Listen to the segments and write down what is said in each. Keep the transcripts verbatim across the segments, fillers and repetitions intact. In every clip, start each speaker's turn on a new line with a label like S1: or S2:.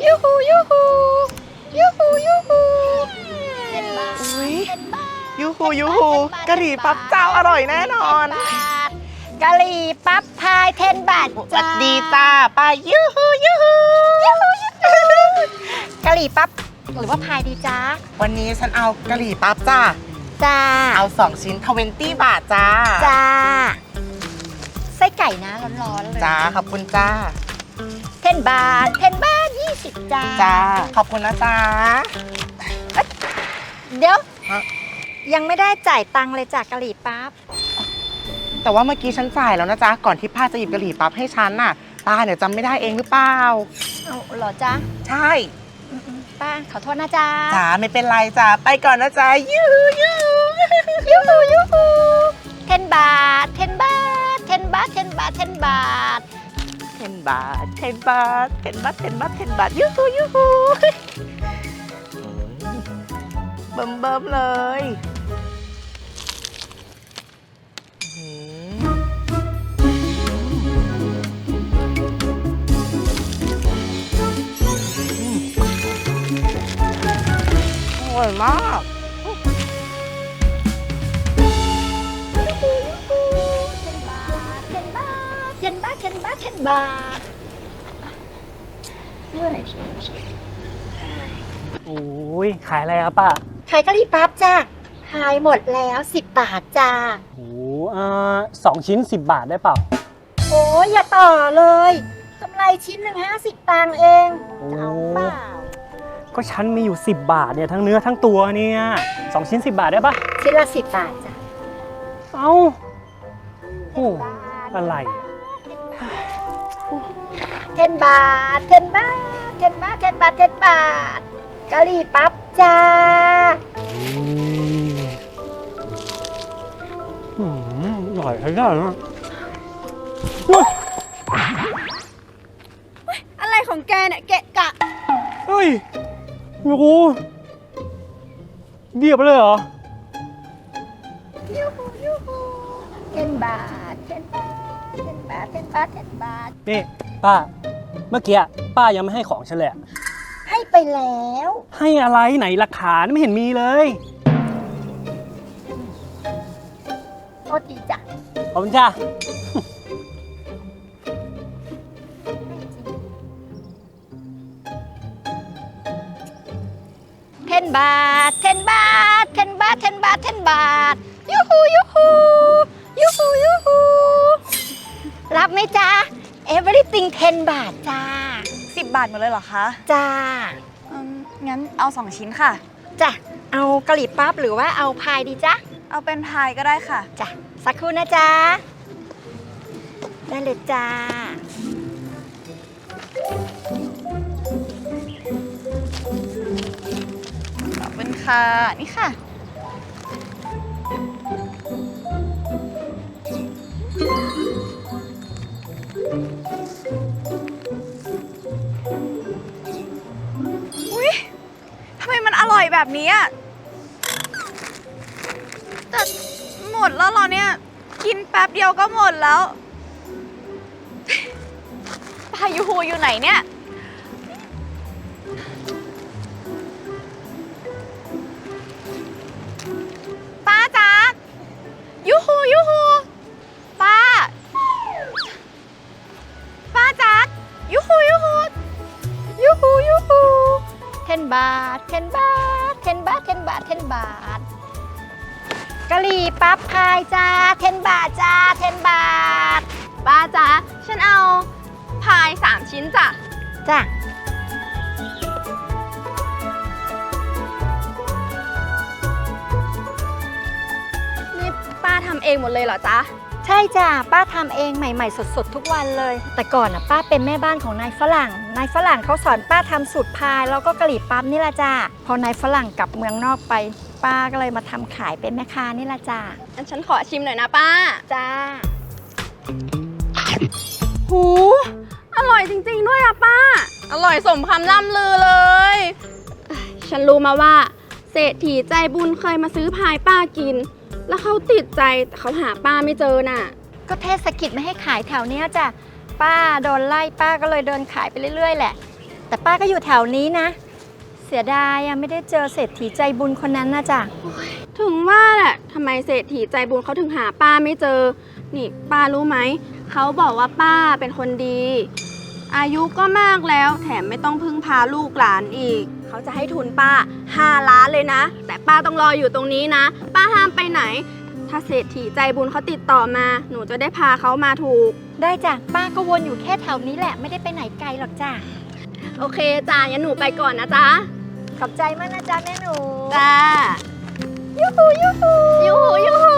S1: ยูฮูยูฮูยูฮูยูฮู
S2: อุ้ยยูฮูยูฮูกะหรี่ปั๊บเจ้าอร่อยแน่นอน
S1: กะหรี่ปั๊บพายเทนบาท
S2: สวัสดีจ้าป้ายูฮูยูฮู
S1: กะหรี่ปั๊บหรือว่าพายดีจ้า
S2: วันนี้ฉันเอากะหรี่ปั๊บจ้า
S1: จ้า
S2: เอาสองชิ้นทเวนตี้บาทจ้า
S1: จ้าไส้ไก่นะร้อนๆเลย
S2: จ้าขอบคุณจ้า
S1: เทนบาทเทนบาทยี่สิบจ้า
S2: จ้าขอบคุณนะจ้า
S1: เดี๋ยว
S2: ฮะ
S1: ยังไม่ได้จ่ายตังค์เลยจากกะหรี่ปั๊บ
S2: แต่ว่าเมื่อกี้ฉันจ่ายแล้วนะจ๊ะก่อนที่ป้าจะหยิบกะหรี่ปั๊บให้ฉันน่ะป้าเนี่ยจำไม่ได้เองหรือเปล่า
S1: เอาเหรอจ้า
S2: ใช่
S1: ป้าขอโทษนะจ้า
S2: จ้าไม่เป็นไรจ้าไปก่อนนะจ๊ะยูยู
S1: ยูฮูยูฮูเทนบาทเทนบาทเทนบาทเทนบาทเทนบาท
S2: เทนบาทเทนบาทเทนบาทเทนบาทเทนบาทยูฮูยูฮูเบิ่มเบิ่มเลยอืมอร่อยมาก
S1: เทนบาทเทนบาทเทนบาทเทนบาทเทนบาท
S3: โอ้ยขายอะไรครับป้า
S1: ขายกะหรี่ปั๊บจ้าขายหมดแล้วสิบบาทจ้า
S3: โอ้เอ่อสองชิ้นสิบบาทได้เปล่า
S1: โอ้ยอย่าต่อเลยกำไรชิ้นหนึ่งห้าสิบตังค์เองจะเอาเปล่า
S3: ก็ฉันมีอยู่สิบบาทเนี่ยทั้งเนื้อทั้งตัวเนี่ยสองชิ้นสิบบาทได้ปะ
S1: ชิ้นละสิบบาทจ้ะ
S3: เอ้าโอ้อะไรอะ
S1: เทนบาทเทนบาทเทนบาทเทนบาทเทนบาทกะหรี่ปั๊บจ้า
S3: อืมอร่อยใช้ได้นะ
S4: อะไรของแกเนี่ยเกะกะ
S3: เฮ้ยโอ้โหเดียบเลยเหรอ
S1: ยูฮูยูฮูเทนบาทเทนบาทเทนบาทเทนบาทเทนบาท
S3: นี่ป้า เมื่อกี้ป้ายังไม่ให้ของฉันเลยอะ
S1: ให้ไปแล้ว
S3: ให้อะไรไหนหลักฐานไม่เห็นมีเลย
S1: โทษดีจ้ะ
S3: ขอบคุณจ้า
S1: เทนบาทเทนบาทเทนบาทเทนบาทเทนบาทยูฮูยูฮูยูฮูยูฮูรับไหมจ๊ะ everything เทนบาทจ้า
S4: สิบบาทหมดเลยเหรอคะ
S1: จ้า
S4: อืมงั้นเอาสองชิ้นค่ะ
S1: จ้ะเอากะหรี่ปั๊บหรือว่าเอาพายดีจ๊ะ
S4: เอาเป็นพายก็ได้ค่ะ
S1: จ้ะสักครู่นะจ๊ะได้เลยจ้า
S4: ขอบคุณค่ะ นี่ค่ะ อุ๊ย ทำไมมันอร่อยแบบนี้อะแต่หมดแล้วเหรอเนี่ย กินแป๊บเดียวก็หมดแล้วปายูฮูอยู่ไหนเนี่ย ป้าจ๊ะยูฮูยูฮูป้า ป้าจ๊ะยูฮูยูฮู
S1: ยูฮูยูฮูเทนบาทเทนบาทเทนบาทเทนบาทเทนบาทกะหรี่ปั๊บพายจ้าเทนบาทจ้าเทนบาท
S4: ป้าจ๊ะฉันเอาพายสามชิ้นจ้ะ
S1: จ้ะ
S4: นี่ป้าทำเองหมดเลยเหรอจ๊ะ
S1: ใช่จ้ะป้าทำเองใหม่ๆสดๆทุกวันเลย แต่ก่อนน่ะป้าเป็นแม่บ้านของนายฝรั่งนายฝรั่งเขาสอนป้าทำสูตรพายแล้วก็กะหรี่ปั๊บนี่แหละจ้ะพอนายฝรั่งกลับเมืองนอกไป ป้าก็เลยมาทำขายเป็นแม่ค้านี่แหละจ้ะ
S4: งั้นฉันขอชิมหน่อยนะป้า
S1: จ้า
S4: หู อร่อยจริงๆด้วยอะป้า อร่อยสมคำล่ำลือเลย ฉันรู้มาว่าเศรษฐีใจบุญเคยมาซื้อพายป้ากิน แล้วเขาติดใจแต่เขาหาป้าไม่เจอน่ะ
S1: ก็เทศกิจไม่ให้ขายแถวเนี้ยจ้ะป้าโดนไล่ป้าก็เลยเดินขายไปเรื่อยๆแหละ แต่แต่ป้าก็อยู่แถวนี้นะ เสียดายอะไม่ได้เจอเศรษฐีใจบุญคนนั้นนะจ๊ะ
S4: ถึงว่าแหละทำไมเศรษฐีใจบุญเขาถึงหาป้าไม่เจอ นี่ป้ารู้ไหม เขาบอกว่าป้าเป็นคนดี อายุก็มากแล้ว แถมไม่ต้องพึ่งพาลูกหลานอีก เขาจะให้ทุนป้าห้าล้านเลยนะ แต่ป้าต้องรออยู่ตรงนี้นะ ป้าห้ามไปไหน ถ้าเศรษฐีใจบุญเขาติดต่อมา หนูจะได้พาเขามาถูก
S1: ได้จ้ะป้าก็วนอยู่แค่แถวนี้แหละไม่ได้ไปไหนไกลหรอกจ้ะ
S4: โอเคจ้างั้นหนูไปก่อนนะจ๊ะ
S1: ขอบใจมากนะจ๊ะแม่หนู
S4: จ้า
S1: ยูฮูยูฮู
S4: ยูหูยูหู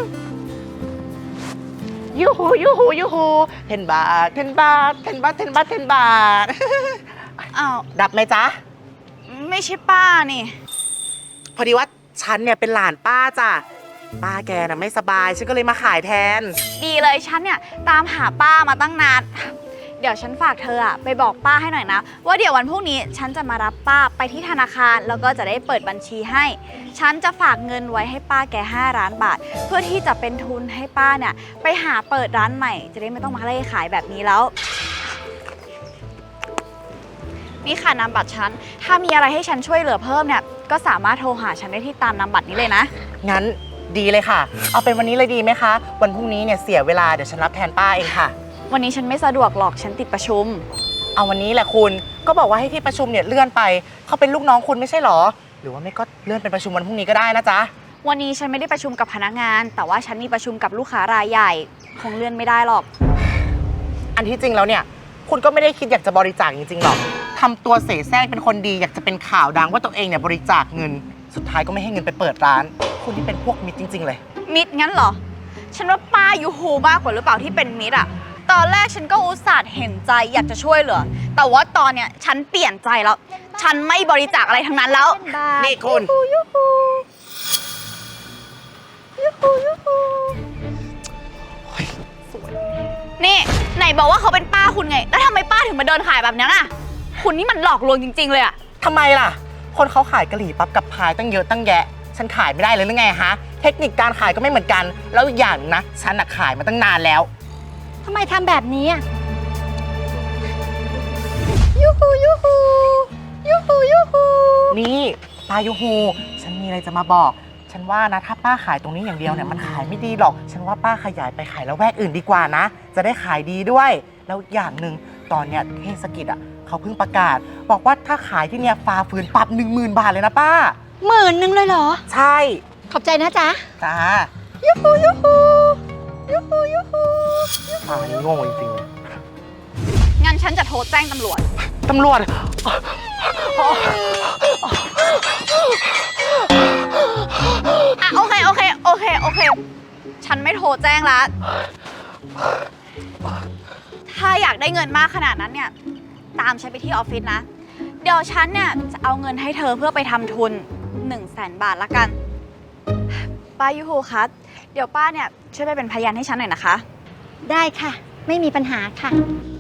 S2: ยูฮูยูฮูยูฮูเทนบาทเทนบาทเทนบาทเทนบาทเทนบาท
S5: อ้าว
S2: ดับไหมจ๊ะ
S5: ไม่ใช่ป้านี่
S2: พอดีว่าฉันเนี่ยเป็นหลานป้าจ้ะป้าแกน่ะไม่สบายฉันก็เลยมาขายแทน
S5: ดีเลยฉันเนี่ยตามหาป้ามาตั้งนาน เดี๋ยวฉันฝากเธออะไปบอกป้าให้หน่อยนะ ว่าเดี๋ยววันพรุ่งนี้ฉันจะมารับป้าไปที่ธนาคารแล้วก็จะได้เปิดบัญชีให้ ฉันจะฝากเงินไว้ให้ป้าแกห้าล้านบาท เพื่อที่จะเป็นทุนให้ป้าเนี่ยไปหาเปิดร้านใหม่ จะได้ไม่ต้องมาเล่ขายแบบนี้แล้ว นี่ค่ะนามบัตรฉัน ถ้ามีอะไรให้ฉันช่วยเหลือเพิ่มเนี่ยก็สามารถโทรหาฉันได้ที่ตามนามบัตรนี้เลยนะ
S2: งั้นดีเลยค่ะ เอาเป็นวันนี้เลยดีไหมคะ วันพรุ่งนี้เนี่ยเสียเวลาเดี๋ยวฉันรับแทนป้าเองค่ะ
S5: วันนี้ฉันไม่สะดวกหรอกฉันติดประชุม
S2: เอาวันนี้แหละคุณก็บอกว่าให้ที่ประชุมเนี่ยเลื่อนไปเขาเป็นลูกน้องคุณไม่ใช่หรอ หรือว่าไม่ก็เลื่อนเป็นประชุมวันพรุ่งนี้ก็ได้นะจ๊ะ
S5: วันนี้ฉันไม่ได้ประชุมกับพนักงาน แต่ว่าฉันมีประชุมกับลูกค้ารายใหญ่ คงเลื่อนไม่ได้หรอก
S2: อันที่จริงแล้วเนี่ยคุณก็ไม่ได้คิดอยากจะบริจาคจริงๆหรอกทำตัวเสแสร้งเป็นคนดีอยากจะเป็นข่าวดังว่าตัวเองเนี่ยบริจาคเงิน สุดท้ายก็ไม่ให้เงินไปเปิดร้าน คุณที่เป็นพวกมิตรจริง ๆ เลย
S5: มิดงั้นเหรอ ฉันว่าป้ายูฮูมากกว่าหรือเปล่าที่เป็นมิดอะตอนแรกฉันก็อุตส่าห์เห็นใจอยากจะช่วยเหลือ แต่ว่าตอนเนี้ยฉันเปลี่ยนใจแล้ว ฉันไม่บริจาคอะไรทั้งนั้นแล้ว
S1: เป็นบาท
S2: นี่คุณ
S1: ยูฮูยูฮูยูฮู
S5: นี่ไหนบอกว่าเขาเป็นป้าคุณไง แล้วทำไมป้าถึงมาเดินขายแบบนี้น่ะ คุณนี่มันหลอกลวงจริง ๆ เลยอะ
S2: ทำไมล่ะ คนเขาขายกะหรี่ปั๊บกับพายตั้งเยอะตั้งแยะ ฉันขายไม่ได้เลยหรือไงฮะ เทคนิคการขายก็ไม่เหมือนกัน แล้วอีกอย่างนะ ฉันน่ะขายมาตั้งนานแล้ว
S1: ทำไมทำแบบนี้อะยูฮูยูฮูยูฮูยูฮู
S2: นี่ป้ายูฮู ฉันมีอะไรจะมาบอก ฉันว่านะถ้าป้าขายตรงนี้อย่างเดียวเนี่ยมันขายไม่ดีหรอก ฉันว่าป้าขยายไปขายแล้วแวกอื่นดีกว่านะ จะได้ขายดีด้วย แล้วอย่างหนึ่งตอนเนี้ยเทศกิจอ่ะเขาเพิ่งประกาศ บอกว่าถ้าขายที่เนี่ยฝ่าฝืนปรับหนึ่งหมื่นบาทเลยนะป้า
S1: หมื่นหนึ่งเลยเหรอ
S2: ใช่
S1: ขอบใจนะจ๊ะ
S2: จ้า
S1: ยูฮูยูฮูยูฮูยูฮู
S2: ป้านี่โง่จริง
S5: งั้นฉันจะโทรแจ้งตำรวจ
S2: ๆตำรวจ
S5: อ่ะโอเคโอเคโอเคโอเค ฉันไม่โทรแจ้งละถ้าอยากได้เงินมากขนาดนั้นเนี่ยตามฉันไปที่ออฟฟิศนะ เดี๋ยวฉันเนี่ยจะเอาเงินให้เธอเพื่อไปทำทุน1นึ่งแสนบาทละกัน ป้ายูฮูคะเดี๋ยวป้าเนี่ยช่วยไปเป็นพยานให้ฉันหน่อยนะคะ
S1: ได้ค่ะ ไม่มีปัญหาค่ะ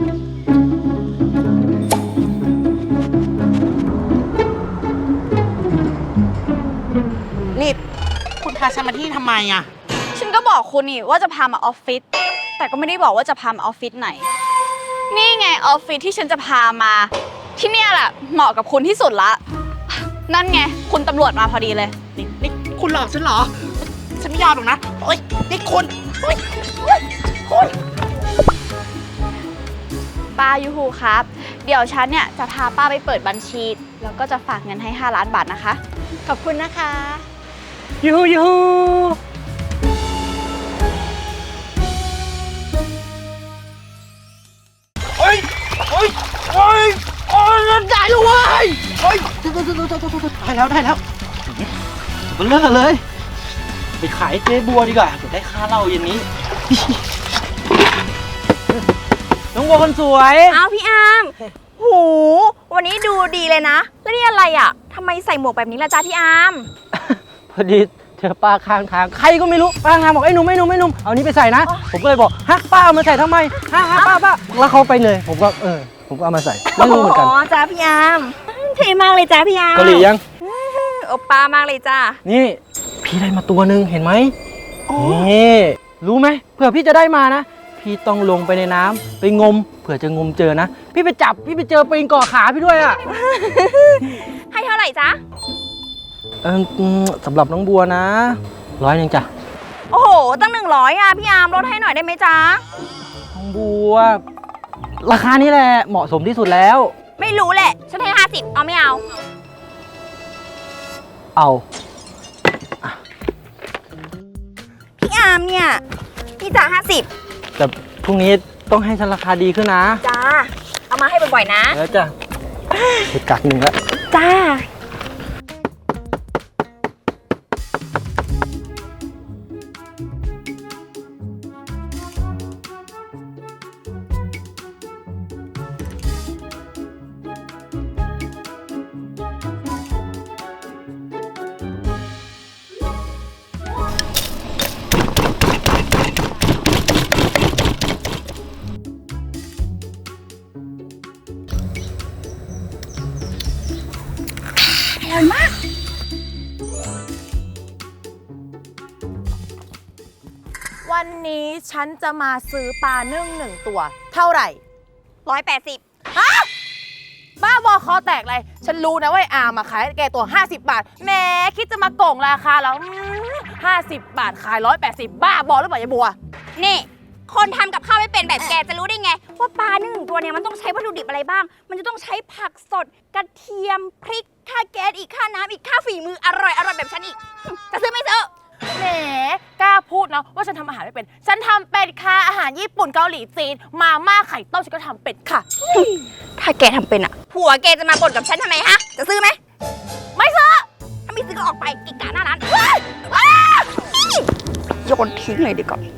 S2: นี่คุณพาฉันมาที่ทำไมอ่ะ
S5: ฉันก็บอกคุณนี่ว่าจะพามาออฟฟิศแต่ก็ไม่ได้บอกว่าจะพามาออฟฟิศไหน นี่ไงออฟฟิศที่ฉันจะพามา ที่เนี่ยแหละเหมาะกับคุณที่สุดละ นั่นไงคุณตำรวจมาพอดีเลย
S2: นี่นี่คุณหลอกฉันเหรอ ฉันไม่ยอมหรอกนะโอ๊ยนี่คุณโอ๊ยโอ๊ยคุณ
S5: ป้ายูฮูครับ เดี๋ยวฉันเนี่ยจะพาป้าไปเปิดบัญชี แล้วก็จะฝากเงินให้ห้าล้านบาทนะคะ
S1: ขอบคุณนะคะ
S3: ยูฮูยูฮู
S2: โอ๊ยโอ๊ยโอ๊ยโอ๊ยได้แล้วเว้ยโอ๊ยได้แล้วได้แล้ว
S3: มันเลิกเลย ไปขายเจ๊บัวดีกว่าจะได้ค่าเหล้าเย็นนี้ น้องบัวคนสวย
S4: อ้าวพี่อาร์มหูวันนี้ดูดีเลยนะ แล้วนี่อะไรอ่ะทำไมใส่หมวกแบบนี้ล่ะจ้าพี่อาร์ม
S3: พอดีเจอป้าข้างทางใครก็ไม่รู้ป้าข้างทางบอกไอ้หนุ่มไอ้หนุ่มไอ้หนุ่มเอานี้ไปใส่นะ ผมก็เลยบอกฮะป้าเอามาใส่ทำไมฮะฮะป้าป้าแล้วเขาไปเลย ผมก็เออผมก็เอามาใส่ไม่รู้เหมือนกัน
S4: อ๋อจ้าพี่อาร์มเท่มากเลยจ้าพี่อาร์ม
S3: เกาหลียัง
S4: โอป้ามากเลยจ้า
S3: นี่พี่ได้มาตัวหนึ่งเห็นไหมนี่รู้ไหมเผื่อพี่จะได้มานะ พี่พี่ต้องลงไปในน้ำไปงมเผื่อจะงมเจอนะ พี่ไปจับพี่ไปเจอปลิงเกาะขาพี่ด้วยอ่ะ
S5: ให้เท่าไหร่จ๊ะ
S3: เอออืมสำหรับน้องบัวนะร้อยหนึ่งจ้ะ
S5: โอ้โห ตั้งหนึ่งร้อยอ่ะ พี่อาร์มลดให้หน่อยได้ไหมจ๊ะ
S3: น้องบัว ราคานี้แหละเหมาะสมที่สุดแล้ว
S5: ไม่รู้แหละ ฉันให้ห้าสิบเอาไม่เอา
S3: เอา
S5: พี่อาร์มเนี่ย พี่จ๋าห้าสิบ
S3: แต่พรุ่งนี้ต้องให้ฉันราคาดีขึ้นนะ
S5: จ้า เอามาให้บ่อยๆนะ
S3: แล้วจ้ะเห็ดกักหนึ่งแล้ว
S5: จ้า
S6: วันนี้ฉันจะมาซื้อปลานึ่งหนึ่งตัว เท่าไหร่
S5: ร้อยแปดสิบ
S6: บ้าบอคอแตกเลย ฉันรู้นะว่าไอ้อาร์มมาขายแกตัว ห้าสิบบาทแหมคิดจะมาโกงราคาแล้วห้าสิบบาทขายร้อยแปดสิบบ้าบอหรือเปล่ายายบัว
S5: นี่ คนทำกับข้าวไม่เป็นแบบแกจะรู้ได้ไง ว่าปลาหนึ่งตัวเนี่ยมันต้องใช้วัตถุดิบอะไรบ้าง มันจะต้องใช้ผักสด กระเทียม พริก ค่าแก๊สอีก ค่าน้ำอีก ค่าฝีมืออร่อยอร่อยแบบฉันอีก จะซื้อไม่ซื้อ
S6: แหมกล้าพูดนะว่าฉันทำอาหารไม่เป็น ฉันทำเป็นค่ะอาหารญี่ปุ่นเกาหลีจีน มาม่าไข่ต้มฉันก็ทำเป็นค่ะ
S5: ถ้าแกทำเป็นอ่ะ ผัวแกจะมาบ่นกับฉันทำไมฮะ จะซื้อไหม
S6: ไม่ซื้อ
S5: ถ้าไม่ซื้อก็ออกไปกิกกาหน้าร้านว้ายว้ายโยนทิ้งเลยดีกว่า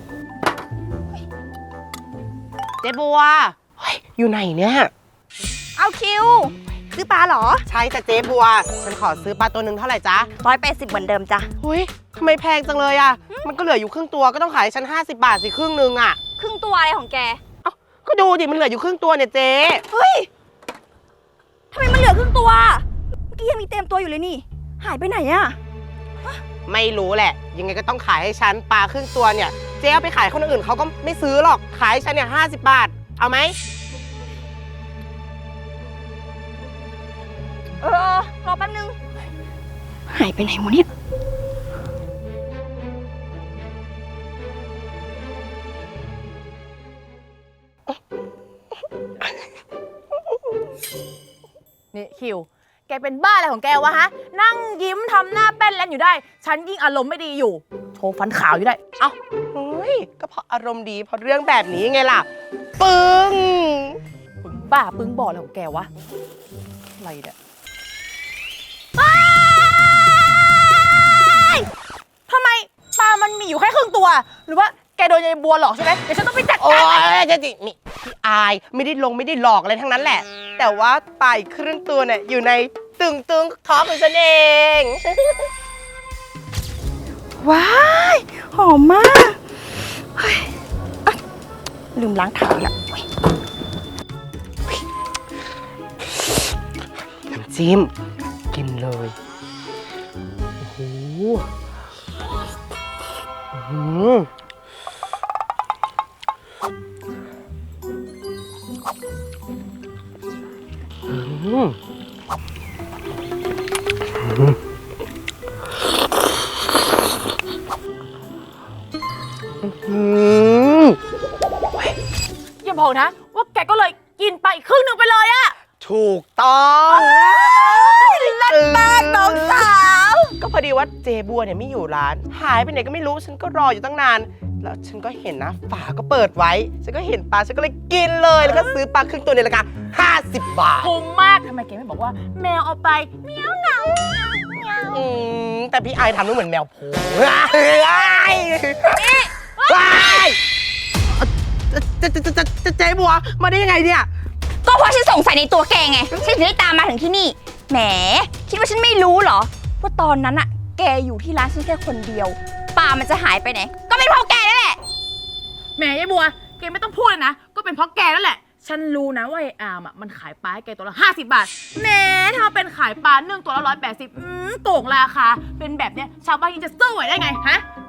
S2: เจ๊บัวเฮ้ยอยู่ไหนเนี่ย
S5: เอาคิว ซื้อปลาเหรอ
S2: ใช่จ้ะเจ๊บัว ฉันขอซื้อปลาตัวหนึ่งเท่าไหร่จ๊ะ
S5: ร้อยแปดสิบเหมือนเดิมจ้ะ
S2: เฮ้ยทำไมแพงจังเลยอ่ะ มันก็เหลืออยู่ครึ่งตัวก็ต้องขายให้ฉันห้าสิบบาทสิครึ่งนึงอ่ะ
S5: ครึ่งตัวอะไรของแก
S2: เอ้าก็ดูดิมันเหลืออยู่ครึ่งตัวเนี่ยเจ๊
S5: เฮ้ย ทำไมมันเหลือครึ่งตัว เมื่อกี้ยังมีเต็มตัวอยู่เลยนี่ หายไปไหนอะ
S2: ไม่รู้แหละ ยังไงก็ต้องขายให้ฉันปลาครึ่งตัวเนี่ยเจ๊เอาไปขายคนอื่นเขาก็ไม่ซื้อหรอกขายให้ฉันเนี่ยห้าสิบบาทเอาไหม
S5: เออ รอแป๊บนึง หายไปไหนวะเนี่ย
S6: นี่คิว แกเป็นบ้าอะไรของแกวะฮะ นั่งยิ้มทำหน้าแป้นแลนอยู่ได้ ฉันยิ่งอารมณ์ไม่ดีอยู่ โชว์ฟันขาวอยู่ได้
S2: เอ้าเฮ้ยก็เพราะอารมณ์ดีเพราะเรื่องแบบนี้ไงล่ะปึ้ง
S6: ปึ้งบ้าปึ้งบออะไรของแกวะ อะไรเนี่ยทำไมปลามันมีอยู่แค่ครึ่งตัว หรือว่าแกโดนยายบัวหลอกใช่ไหมเดี๋ยวฉันต้องไปจัด
S2: โอ้
S6: การ
S2: ยเจ๊จินี่พี่อายไม่ได้ลงไม่ได้หลอกอะไรทั้งนั้นแหละ แต่ว่าปลาอีกครึ่งตัวเนี่ยอยู่ในตึงตึงท้องของฉันเอง
S5: ว้าย หอมมากเฮ้ยอ่ะลืมล้างเท้าละเฮ้ย
S2: น้ำจิ้มกินเลยโอ้โหอื้อหืออืมอืมอืม
S6: อย่าบอกนะ ว่าแกก็เลยกินไปอีกครึ่งหนึ่งไปเลยอะ
S2: ถูกต้อง
S6: เลิศมากน้องสาว
S2: ก็พอดีว่าเจบัวเนี่ยไม่อยู่ร้าน หายไปไหนก็ไม่รู้ ฉันก็รออยู่ตั้งนาน แล้วฉันก็เห็นนะฝาก็เปิดไว้ ฉันก็เห็นปลา ฉันก็เลยกินเลย แล้วก็ซื้อปลาครึ่งตัวในราคาห้าสิบบาท
S6: คุ้มมาก ทำไมแกไม่บอกว่าแมวเอาไปเมียวเหงา
S2: อืมแต่พี่ไอายทำแล้วเหมือนแมวโผล่ว้ายว้ายเจเจเจเจเจเจบัวมาได้ยังไงเนี่ย
S5: ก็เพราะฉันสงสัยในตัวแกไง ฉันถึงได้ตามมาถึงที่นี่ แหม คิดว่าฉันไม่รู้เหรอ ว่าตอนนั้นอะแกอยู่ที่ร้านฉันแค่คนเดียว ปลามันจะหายไปไหน ก็เป็นเพราะแกนั่นแหละ
S6: แหมยายบัว แกไม่ต้องพูดเลยนะ ก็เป็นเพราะแกนั่นแหละ ฉันรู้นะว่าไอ้อาร์มอ่ะมันขายปลาให้แกตัวละห้าสิบบาทแหมถ้าเป็นขายปลาเนื่องตัวละร้อยแปดสิบอืมโกงราคา เป็นแบบเนี้ยชาวบ้านยังจะสู้ไหวได้ไงฮะ